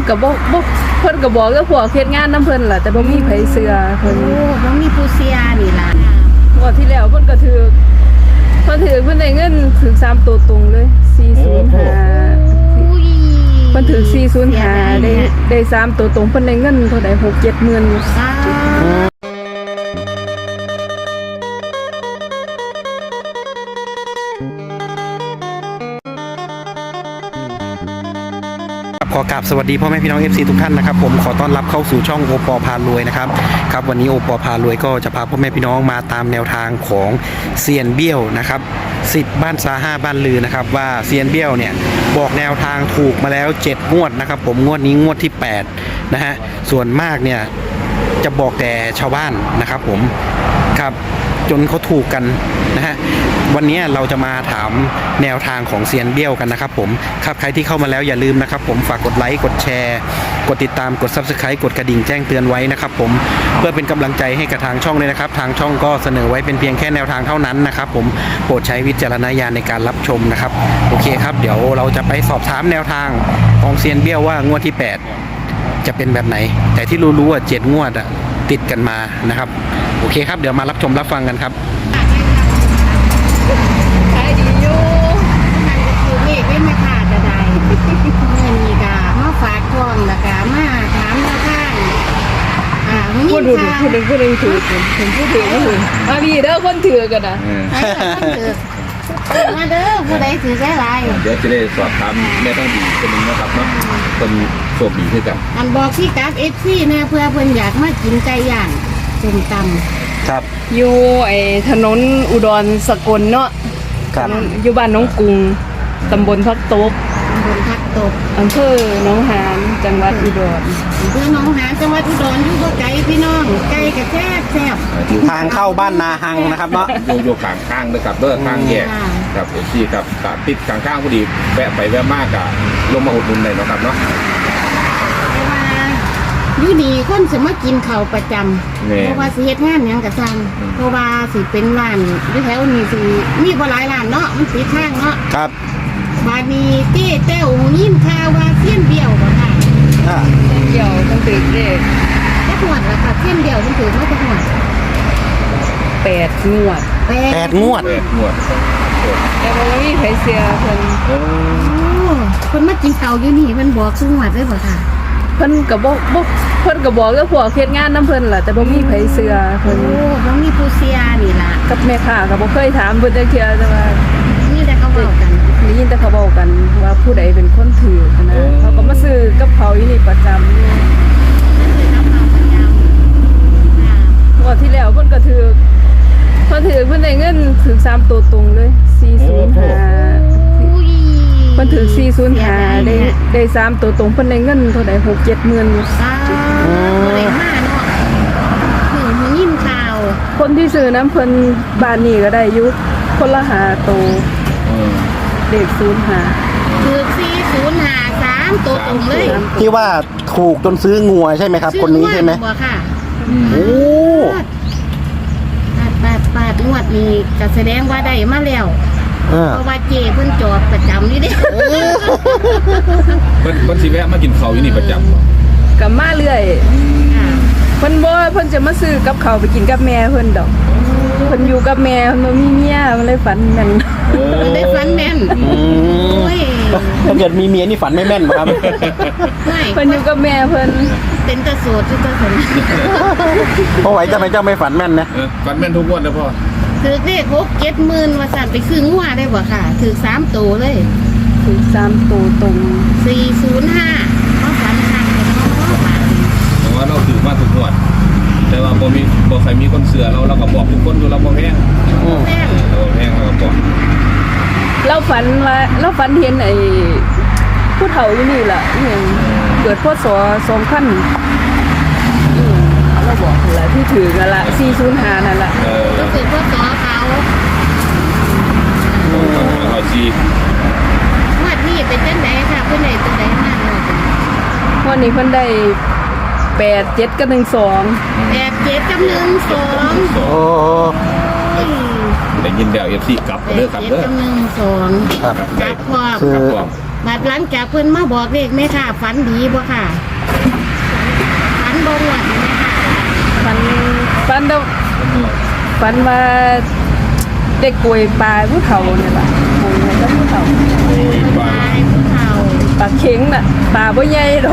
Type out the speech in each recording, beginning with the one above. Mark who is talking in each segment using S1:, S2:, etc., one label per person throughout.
S1: ก็บ่เพิ่นก็บอกกับพวกเฮ็ดงานนำเพิ่นล่ะแต่บ่มีไผเชื่อเพิ่น
S2: โอ้บ่มีผู้เสียนี่ล่ะ
S1: งวดที่แล้วเพิ่นก็ถือเพิ่นได้เงินถึง3ตัวตรงเลย405
S2: อุ้ย
S1: เพิ่นถือ405ได้3ตัวตรงเพิ่นได้เงินเท่าใด6-7 หมื่นอยู่
S2: สา
S3: ขอกราบสวัสดีพ่อแม่พี่น้อง FC ทุกท่านนะครับผมขอต้อนรับเข้าสู่ช่องโอปอพารวยนะครับครับวันนี้โอปอพารวยก็จะพาพ่อแม่พี่น้องมาตามแนวทางของเซียนเบี้ยวนะครับ10บ้านซา5บ้านลือนะครับว่าเซียนเบี้ยวเนี่ยบอกแนวทางถูกมาแล้ว7งวดนะครับผมงวดนี้งวดที่8นะฮะส่วนมากเนี่ยจะบอกแต่ชาวบ้านนะครับผมครับจนเขาถูกกันนะฮะวันนี้เราจะมาถามแนวทางของเซียนเบี้ยวกันนะครับผมครับใครที่เข้ามาแล้วอย่าลืมนะครับผมฝากกดไลค์กดแชร์กดติดตามกด Subscribe กดกระดิ่งแจ้งเตือนไว้นะครับผมเพื่อเป็นกำลังใจให้กับทางช่องเลยนะครับทางช่องก็เสนอไว้เป็นเพียงแค่แนวทางเท่านั้นนะครับผมโปรดใช้วิจารณญาณในการรับชมนะครับโอเคครับเดี๋ยวเราจะไปสอบถามแนวทางของเซียนเบี้ยวว่างวดที่8จะเป็นแบบไหนแต่ที่รู้ๆว่า7งวดอะติดกันมานะครับโอเคครับเดี๋ยวมารับชมรับฟังกันครับ
S1: ขายดีอยู่
S2: มันก็คือเลขไม่มาขาดใดๆเงินนี่ก็มาฝากท้องแล้วก็มาถามแนวทางมี
S1: พูด
S2: ข่าว
S1: พูดถือผมพูดถือก็ถือมาดีเด้อคนถือกันนะ
S2: ให้กับคนถือมาเด้อผู้ใดถือได้หลาย
S4: เดี๋ยวจะได้สอบถามแม่ต้องดีคนหนึงนะครับเนาะคนโชคดีด้วยกัน
S2: อันบอกพี่กับ FC นะเพื่อเพิ่นอยากมากินไก่ย่างส้มตำ
S3: ครับ
S1: อยู่ไอ้ถนนอุดรสกลเนาะ
S3: ครับ
S1: อยู่บ้านน้องกรุงตำบลพักตบ
S2: บนพักตก
S1: อำเภอหนองหานจังหวัดอุดร
S2: เพื่อน้องหาจังหวัดอุดรอยู่บ่ไกลพี่น้องไก่ก็แซ่บแซ่บ
S3: ทางเข้าบ้านนาหังนะครับเนาะ
S4: โยกข้างๆนะครับเด้อข้างแยกกับเอซี่ครับตัดติดข้างๆพอดีแวะไปแวะมากกะลงมาอุดหนุนเลยเนาะครับเนาะ
S2: แต่ว่าอยู่นี่คนสิมากินข้าวประจำ
S4: แม่
S2: เพราะว่าสิเฮ็ดงานหยังก็ซั่นเพราะว่าสิเป็นร้านอยู่แถวนี้สิมีบ่หลายร้านเนาะมันติดทางเนาะ
S3: ครับ
S2: บาดนี้เต้แต้วยินข่าวว่าเสี้ยนเดียวบ่ค่ะ
S1: เกี่ยวต้องถือเลข
S2: จักหวดแล้วค่ะเสี้ยนเดียวมันถือมาจักหวด
S1: 8 งวด
S3: 8 งวด
S4: งวด
S1: แต่ว่าไม่มีไผเสียเพิ่น
S4: เออ
S2: โอ้คนมากินข้าวอยู่นี่มันบอกซุงหวดเลยบ่ค่ะ
S1: เพิ่นก็บ่เพิ่นก็บอกกับพวกเฮ็ดงานนำเพิ่นล่ะแต่บ่มีไผเชื่อเพิ่น
S2: โอ้บ่มีผู้เสียนี่ล่ะ
S1: กับแม่ค้าก็บ่เคยถามเพิ่นจักเทื่อแต่ว่า
S2: นี่แต่เขาเว้ากัน
S1: ได้ยินแต่เขาบอกกันว่าผู้ใดเป็นคนถือนะเขาก็มาซื้อกับเขาอยู่นี่ประจำอยู่
S2: คือน้ำเอาประจำค่ะ
S1: งวดที่แล้วเพิ่นก็ถือเพิ่นได้เงินถึง3ตัวตรงเลย405
S2: อุ้ย
S1: เพิ่นถือ405ได้3ตัวตรงเพิ่นได้เงินเท่าใด6-7 หมื่นอยู่
S2: สาบ่ได้มาเนาะถึงหูยินข่าว
S1: คนที่ซื้อน้ำเพิ่นบ้านนี้ก็ได้อยู่คนละ5ตัว
S4: เออ
S1: เด็ก05
S2: คือ4053ตัวตรงเลย
S3: ที่ว่าถูกจนซื้องัวใช่ไหมครับ คนนี้ใช่ไหม
S2: บ่ค่ะ
S3: โอ้
S2: ปาดงวดนี้ก็แสดงว่าได้มาแล้ว
S3: เออ
S2: เพราะว่าเจเพิ่นจอดประจำนี่เด้
S4: เพิ่นสิแวะมากินข้าวอยู่นี่ประจำบ่
S1: ก็มาเรื่อย
S2: ค่ะ
S1: เพิ่นบ่เพิ่นจะมาซื้อกับเขาวไปกินกับแม่เพิ่นดอกเพิ่นอยู่กับแม่เพิ่นบ่มีเมียมันเลยฝันแม่น
S4: โอ้
S2: เพิ่นได้ฝันแม่น
S3: อืม
S2: โอ้ย
S3: ถ้าเกิดมีเมียนี่ฝันไม่แม่นเหรอครับ
S2: ไม่
S1: เพิ่นอยู่กับแม่เพิ่น
S2: เป็นตะโสดที่ตะสน
S3: เพราะไหวจะไม่เจ้าไม่ฝันแม่นนะ
S4: ฟันแม่นทุกงวดนะพ่อ
S2: ถือเลข6-7 หมื่นว่าสั่นไปซื้องัวได้บ่ค่ะถือ3ตัวเลย
S1: ถึง3ตัวตรง
S2: 405เขาฝันคักเลยเนาะบาดนี้
S4: แต่ว่าเราถือมาทุกงวด แต่ว่าบ่ใครมีคนเสือเราก็บอกทุกคนอยู่เราบ่แพง
S2: แม่น
S4: เราบ่แพงเราก็บอก
S1: เราฝันเห็นไอ้ผู้เฒ่าอยู่นี่ล่ะอีหยังเกิดพศ2000เราบอกนั่นล่ะที่ถือกันละ405นั่นล่ะ
S2: ก็คือพวกสอเขา
S4: เราจี
S2: งวดนี้เป็นจังไดค่ะเพิ่นได้จังไดมาเนาะ
S1: วันนี้เพิ่นได้87กับ12
S2: 87กับ12
S3: โอ้
S4: ได้ยินแล้ว FC กลับเด้อครับ
S2: 87
S4: เด้อ
S2: กับ12
S3: ครับ
S2: กลับพร้อม
S3: คือ
S4: ครับผม
S2: บบัดหลังจากเพิ่นมาบอกเลขแม่ค่ะฝันดีบ่ค่ะฝันบ่หวนแม่ค่ะ
S1: ฝันเด้อฝันว่าเด็กป่วยปลาผู้เฒ่าเนี่ยล่ะป่วยแล้วผู้เฒ่า
S2: ตายผู้เฒ่า
S1: ปลาเข็งน่ะปลาบ่ใหญ่ดอก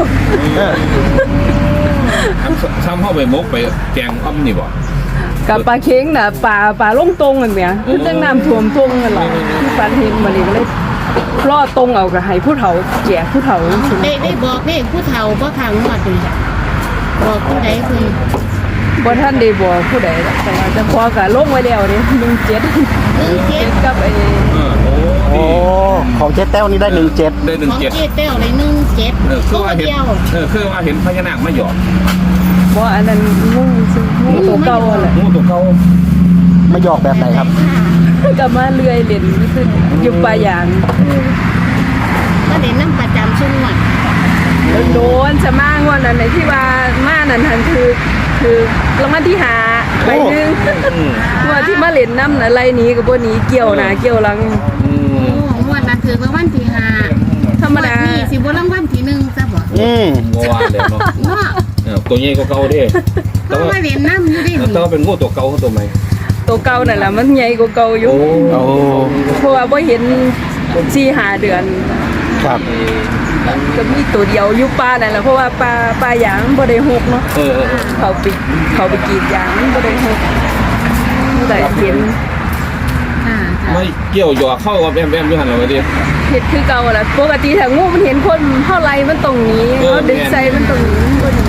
S4: ซ้ำเข้าไปมกไปแกงอ้อมนี่บ่
S1: กับปลาเข็งน่ะปลาลงตรงกันเนี่ยคือจังน้ำท่วมตรงนั่นล่ะที่ฝันเห็นมานี่ก็เลยรอตรงเอาก็ให้ผู้เฒ่าแจกผู้เฒ่าจังซี่
S2: ได้บอกเลขผู้เฒ่าบ่ค่ะงวดนี้บอกผู้ใดเพิ่น
S1: บ่ทันได้บอกผู้ใดหรอกแต่ว่าเจะพอก็ลงไว้แล้วนี่17กับไอ้
S4: โอ้
S3: โอ้ของเจ๊แต้วนี่ได้17
S4: ได้
S2: ของ
S4: 17
S2: เจ๊แต้วได้17
S4: คือว่าเห็น
S2: เดียว
S4: คือว่าเห็นพญานาคมาหยอก
S1: บ่อันนั้นงูซื่องูตัวเก่าแหละ
S4: งูตัวเก่า
S3: มาหยอกแบบไหนครับ
S1: ก็มาเลื่อยเล่นขึ้นอยู่ปลายาง
S2: ก็เด่นน้ำประจำช่วงวัด
S1: โดนจะมางวดนั้นไหนที่ว่ามานั่นหันคือรางวัลที่5ใบหนึงงวดที่มาเล่นน้ำน่ะไรนี้ก็บ่หนีเกี่ยวหน้าเกี่ยวหลัง
S2: โอ้งวดนั้นถือรางวัลที่5
S1: ธรรมดา
S2: นี่สิบ่รางวัลที่1ซะบ่
S4: งัวเลยเนาะ
S2: เนาะ
S4: ตัวใหญ่กว่าเก่าเด้
S2: ก็มาเล่นน้ำอยู่ดิ
S4: แต่ว่าเป็นงูตัวเก่าตัวใหม่
S1: ตัวเก่านั่นล่ะมันใหญ่กว่าเก่าอยู่
S3: โอ้
S1: เพราะว่าบ่เห็น4-5เดือน
S3: ครับ
S1: ก็มีตัวเดียวอยู่ป่านั่นแหละเพราะว่าป่ายางบ่ได้หกเนาะเขาไปกรีดยางมันบ่ได้หกแต่เห็น
S2: ค่ะ
S4: ไม่เกี่ยวหยอกเข้ากับแอมอยู่หันเราไปดิ
S1: เห็ดคือเก่าแหละปกติถ้างูมันเห็นคนเท่าไรมันตรงนี้เขาดึงใส่มันตรงนี้มันบ่หนี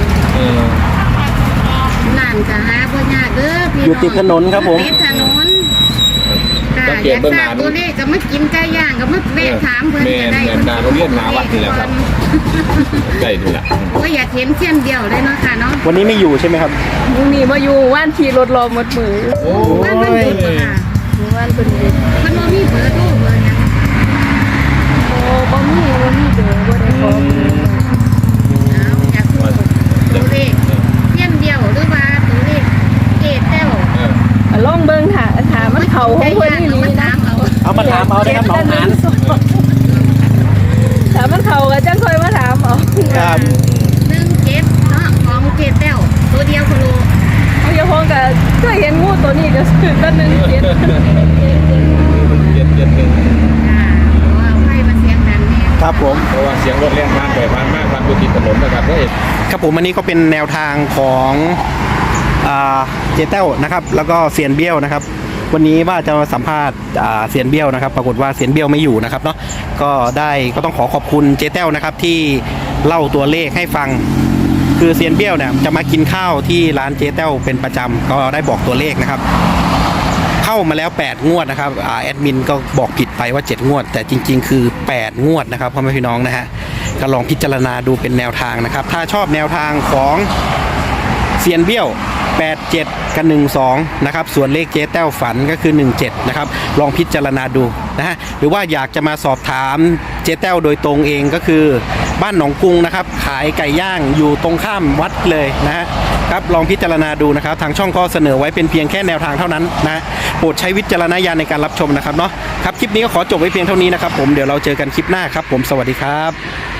S2: ร้านก็หาบ่ยากเด้อพี่น้อง
S3: อยู่ติดถนนครับผม
S2: ติดถนนค่ะอยากทราบตัวเลขก็มากินไก่ย่างก็มาแวะถามเพิ่นก็ได้
S4: แม่นการเรียนหาวัดนี่แหละครับใกล้นี่แหละ
S2: ก็อยากเห็นเส้นเดียวเลยเนาะค่ะเนาะ
S3: วันนี้ไม่อยู่ใช่ไหมครับ
S1: มึงนี่มาอยู่ว่านขี่รถรอหมดมือ
S4: โอ้
S2: บ้านมันหยุดบ่ค่ะ
S1: ว่านเป็นเด็ก
S2: มันบ่มีเบอร์โทรเบอร์หยัง
S1: โอ้บ่มีเด้อบ่ได้ขอเบอร์
S2: เอาอยากรู้ตัวเลขเส้นเดียวหรือว่าตัวเลขเกตแต้ว
S1: อ่ะลองเบิ่งถามมันเข้าของเพิ่นนี่
S2: มัน
S1: นี่นะ
S2: ถามเอา
S3: เอามาถามเอาได้ครับน้องหาน
S1: ถามมันเข้าก็จังค่อยมาถามเอา
S3: ครับ
S2: 17เนาะของเกตแต้วตัวเดียวโคโล
S1: เอาอย่าพ้องก็เคยเห็นงูตัวนี้ก็คือตัวนึงเจ็ด
S4: เย็นหนึ่ง
S2: ค่ะว่าไฟมันเสียงดังแน่
S3: ครับผม
S4: เพราะว่าเสียงรถแล่นผ่านไปผ่านมาผ่านอยู่ติดถนนนะครับเฮ้ย
S3: ครับผมอันนี้ก็เป็นแนวทางของเจเต้วนะครับแล้วก็เซียนเบี้ยวนะครับ วันนี้ว่าจะมาสัมภาษณ์เซียนเบี้ยวนะครับ ปรากฏว่าเซียนเบี้ยวไม่อยู่นะครับเนาะก็ต้องขอบคุณเจเต้วนะครับที่เล่าตัวเลขให้ฟัง คือเซียนเบี้ยวเนี่ยจะมากินข้าวที่ร้านเจเต้วเป็นประจำก็ได้บอกตัวเลขนะครับ เข้ามาแล้ว8งวดนะครับแอดมินก็บอกผิดไปว่า7งวด แต่จริงๆคือ8งวดนะครับพ่อแม่พี่น้องนะฮะก็ลองพิจารณาดูเป็นแนวทางนะครับถ้าชอบแนวทางของเซียนเบี้ยว87กับ12นะครับส่วนเลขเจ๊แต้วฝันก็คือ17นะครับลองพิจารณาดูนะฮะหรือว่าอยากจะมาสอบถามเจ๊แต้วโดยตรงเองก็คือบ้านหนองกรุงนะครับขายไก่ย่างอยู่ตรงข้ามวัดเลยนะฮะครับลองพิจารณาดูนะครับทางช่องก็เสนอไว้เป็นเพียงแค่แนวทางเท่านั้นนะโปรดใช้วิจารณญาณในการรับชมนะครับเนาะครับคลิปนี้ก็ขอจบไว้เพียงเท่านี้นะครับผมเดี๋ยวเราเจอกันคลิปหน้าครับผมสวัสดีครับ